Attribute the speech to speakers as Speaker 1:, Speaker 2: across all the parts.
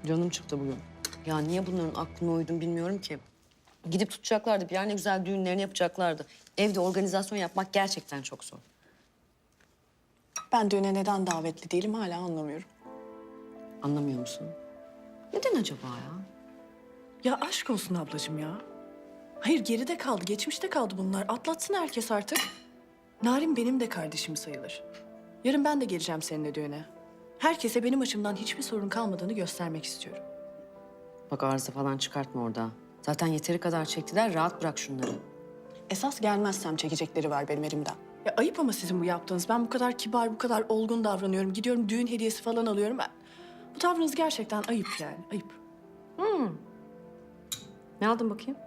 Speaker 1: Canım çıktı bugün. Ya niye bunların aklına uydum bilmiyorum ki. Gidip tutacaklardı. Bir yer ne güzel düğünlerini yapacaklardı. Evde organizasyon yapmak gerçekten çok zor.
Speaker 2: Ben düğüne neden davetli değilim hala anlamıyorum.
Speaker 1: Anlamıyor musun? Neden acaba ya?
Speaker 2: Ya aşk olsun ablacığım ya. Hayır geride kaldı, geçmişte kaldı bunlar. Atlatsın herkes artık. Narin benim de kardeşim sayılır. Yarın ben de geleceğim seninle düğüne. Herkese benim açımdan hiçbir sorun kalmadığını göstermek istiyorum.
Speaker 1: Bak arıza falan çıkartma orada. Zaten yeteri kadar çektiler. Rahat bırak şunları.
Speaker 2: Esas gelmezsem çekecekleri var benim elimden. Ya ayıp ama sizin bu yaptığınız. Ben bu kadar kibar, bu kadar olgun davranıyorum. Gidiyorum düğün hediyesi falan alıyorum. Bu tavrınız gerçekten ayıp yani, ayıp.
Speaker 1: Ne aldın bakayım?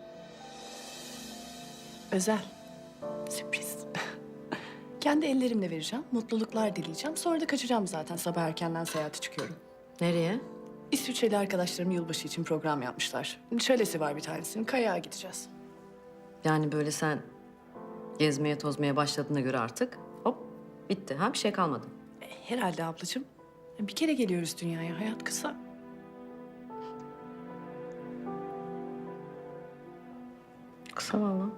Speaker 2: Özel. Sürpriz. Kendi ellerimle vereceğim, mutluluklar dileyeceğim. Sonra da kaçacağım zaten. Sabah erkenden seyahate çıkıyorum.
Speaker 1: Nereye?
Speaker 2: İsviçreli arkadaşlarım yılbaşı için program yapmışlar. Şölesi var bir tanesinin. Kayağa gideceğiz.
Speaker 1: Yani böyle sen gezmeye tozmaya başladığına göre artık hop bitti. Ha bir şey kalmadı.
Speaker 2: Herhalde ablacığım. Bir kere geliyoruz dünyaya. Hayat kısa.
Speaker 1: Kısa vallahi.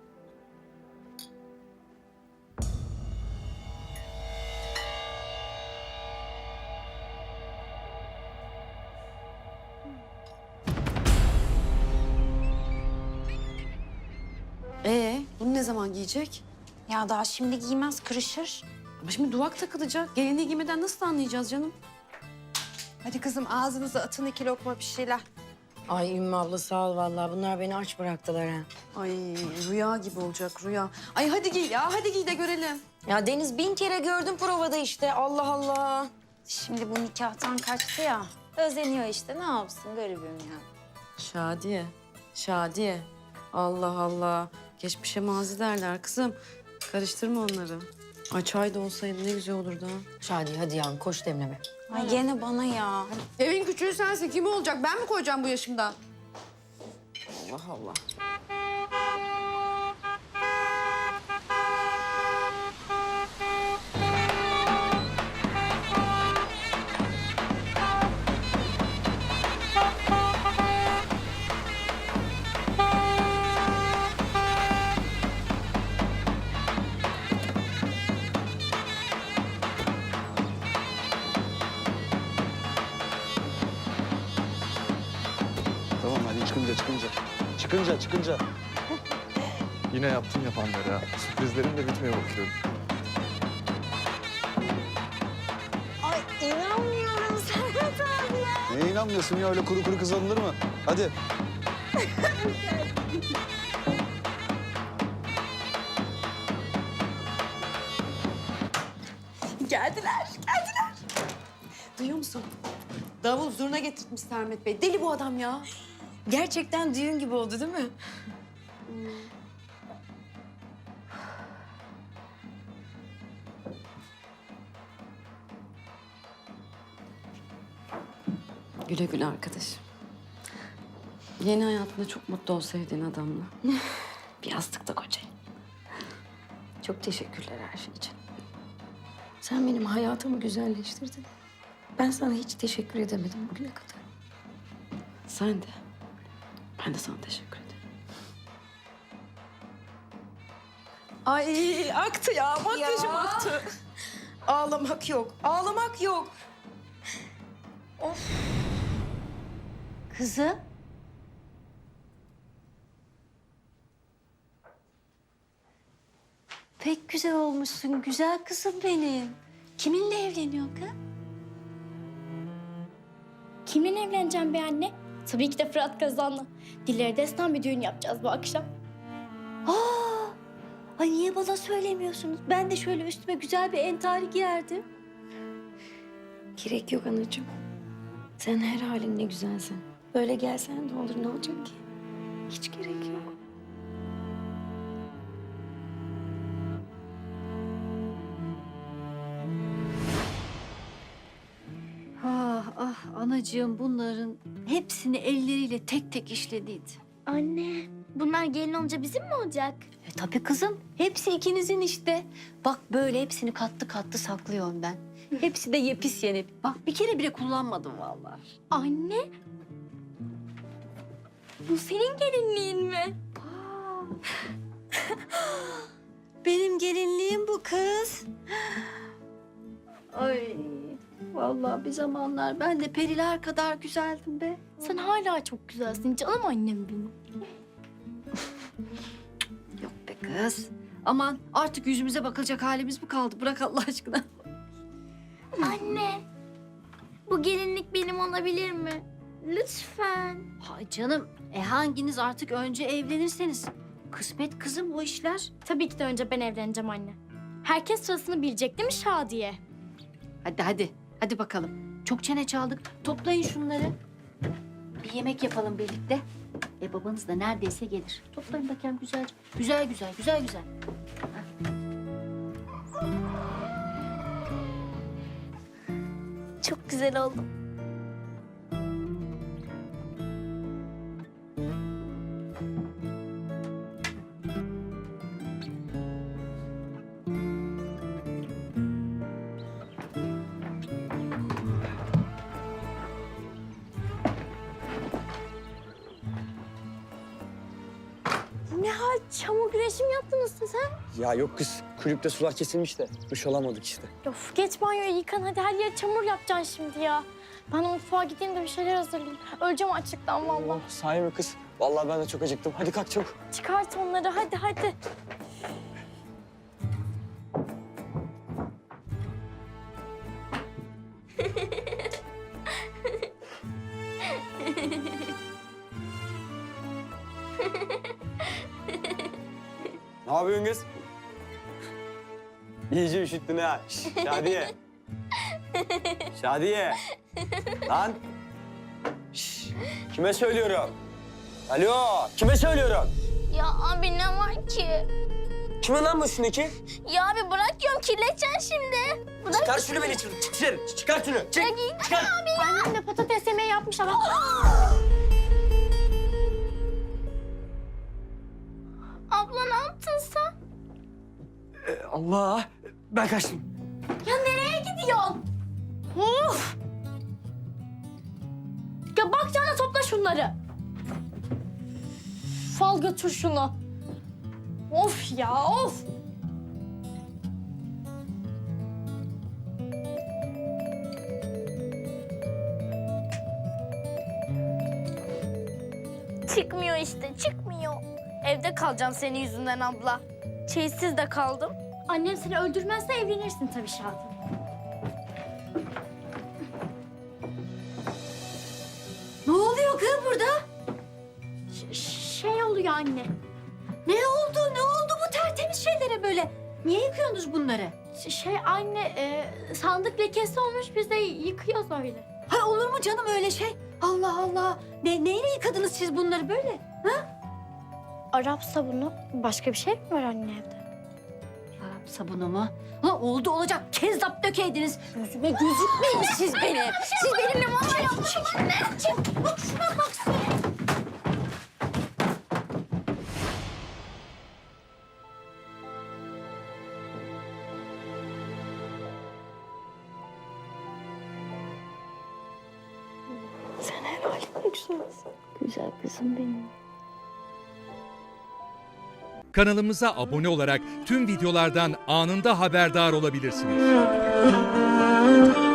Speaker 1: Bunu ne zaman giyecek?
Speaker 3: Ya daha şimdi giymez, kırışır.
Speaker 1: Ama şimdi duvak takılacak. Gelinliği giymeden nasıl anlayacağız canım?
Speaker 3: Hadi kızım ağzınıza atın 2 lokma bir şeyler.
Speaker 4: Ay Ümmü abla sağ ol vallahi. Bunlar beni aç bıraktılar ha.
Speaker 1: Ay rüya gibi olacak rüya. Ay hadi giy ya hadi giy de görelim.
Speaker 4: Ya Deniz 1000 kere gördüm provada işte. Allah Allah.
Speaker 3: Şimdi bu nikahtan kaçtı ya. Özeniyor işte, ne yapsın garibim ya.
Speaker 1: Şadiye, Şadiye. Allah Allah. Geçmişe mazi derler kızım. Karıştırma onları. Ay çay da olsaydı ne güzel olurdu ha.
Speaker 4: Şadi hadi yavrum koş demleme.
Speaker 3: Ay gene bana ya.
Speaker 1: Evin küçüğü sensin. Kim olacak? Ben mi koyacağım bu yaşımda? Allah Allah.
Speaker 5: Tamam hadi çıkınca.
Speaker 6: Yine yaptın yapanları ha. Sürprizlerim de bitmiyor bakıyorum.
Speaker 3: Ay inanmıyorum Serhat abi ya.
Speaker 5: Neye inanmıyorsun ya öyle kuru kuru kız alınır mı? Hadi.
Speaker 1: Geldiler. Duyuyor musun? Davul zurna getirtmiş Sermet Bey. Deli bu adam ya.
Speaker 4: Gerçekten düğün gibi oldu değil mi?
Speaker 1: Güle güle arkadaşım. Yeni hayatında çok mutlu ol sevdiğin adamla. Bir yastıkta kocayın.
Speaker 4: Çok teşekkürler her şey için. Sen benim hayatımı güzelleştirdin. Ben sana hiç teşekkür edemedim bugüne kadar.
Speaker 1: Sen de. Ben de sana teşekkür ederim.
Speaker 4: Ay aktı ya. Makyajım aktı. Ağlamak yok. Ağlamak yok.
Speaker 3: Kızım. Pek güzel olmuşsun güzel kızım benim. Kiminle evleniyorsun kız?
Speaker 7: Kiminle evleneceğim be anne? Tabii ki de Fırat Kazan'la. Dilleri destan bir düğün yapacağız bu akşam.
Speaker 3: Aa, ay niye bana söylemiyorsunuz? Ben de şöyle üstüme güzel bir entari giyerdim.
Speaker 4: Gerek yok anacığım. Sen her halinle güzelsin. Böyle gelsen de olur ne olacak ki? Hiç gerek yok.
Speaker 8: Ah ah anacığım bunların hepsini elleriyle tek tek işlediydi.
Speaker 7: Anne, bunlar gelin olunca bizim mi olacak?
Speaker 8: Tabii kızım hepsi ikinizin işte. Bak böyle hepsini katlı katlı saklıyorum ben. Hepsi de yepis yeni. Bak bir kere bile kullanmadım vallahi.
Speaker 7: Anne. Bu senin gelinliğin mi?
Speaker 8: Benim gelinliğim bu kız. Ay vallahi bir zamanlar ben de periler kadar güzeldim be.
Speaker 7: Sen hala çok güzelsin canım annem benim.
Speaker 8: Yok be kız. Aman artık yüzümüze bakılacak halimiz mi kaldı? Bırak Allah aşkına.
Speaker 7: Anne. Bu gelinlik benim olabilir mi? Lütfen.
Speaker 8: Hay canım. Hanginiz artık önce evlenirseniz. Kısmet kızım bu işler.
Speaker 7: Tabii ki de önce ben evleneceğim anne. Herkes sırasını bilecek değil mi Şadiye?
Speaker 8: Hadi hadi. Hadi bakalım. Çok çene çaldık. Toplayın şunları. Bir yemek yapalım birlikte. Babanız da neredeyse gelir. Toplayın bakayım güzelce. Güzel güzel, güzel güzel.
Speaker 7: Çok güzel oldum. Ne hal çamur güreşi mi yaptınız sen?
Speaker 9: Ya yok kız, kulüpte sular kesilmiş de duş alamadık işte.
Speaker 7: Of geç banyoya yıkan hadi her yere çamur yapacaksın şimdi ya. Ben de mutfağa gideyim de bir şeyler hazırlayayım. Öleceğim açlıktan vallahi.
Speaker 9: Sahi mi kız? Vallahi ben de çok acıktım. Hadi kalk çabuk.
Speaker 7: Çıkart onları hadi hadi.
Speaker 9: Ne yapıyorsun kız? İyice üşüttün ha. Şş, Şadiye. Şadiye. Lan. Şş, kime söylüyorum? Alo, kime söylüyorum?
Speaker 7: Ya abi ne var ki?
Speaker 9: Kime lan bu üstündeki?
Speaker 7: Ya abi bırak diyorum kirleteceksin şimdi. Bırak.
Speaker 9: Çıkar şunu beni çık dışarı. Çıkar şunu. Çık. Çıkar.
Speaker 7: Annem de patates yemeği yapmış ama. Abla ne yaptın sen?
Speaker 9: Allah. Ben kaçtım.
Speaker 7: Ya nereye gidiyorsun? Of! Ya bakacağına topla şunları. Fal götür şunu. Of ya of! Çıkmıyor işte, çıkmıyor. Evde kalacağım senin yüzünden abla. Çeyizsiz de kaldım. Annem seni öldürmezse evlenirsin tabii Şadi.
Speaker 8: Ne oluyor kız burada?
Speaker 7: Şey oluyor anne.
Speaker 8: Ne oldu? Ne oldu bu tertemiz şeylere böyle? Niye yıkıyorsunuz bunları?
Speaker 7: Şey anne, sandık lekesi olmuş biz de yıkıyoruz öyle.
Speaker 8: Ha olur mu canım öyle şey? Allah Allah. Neyle yıkadınız siz bunları böyle?
Speaker 7: Arap sabunu. Başka bir şey mi var anne evde?
Speaker 8: Arap sabunu mu? Ha oldu olacak. Kezzap dökeydiniz. Yüzüme gözükmeyin siz benim. Siz benimle muamele yapmayın anne. Çık. Bak şuna bak sen.
Speaker 3: Sen her halinde güzelsin. Güzel kızım benim.
Speaker 10: Kanalımıza abone olarak tüm videolardan anında haberdar olabilirsiniz.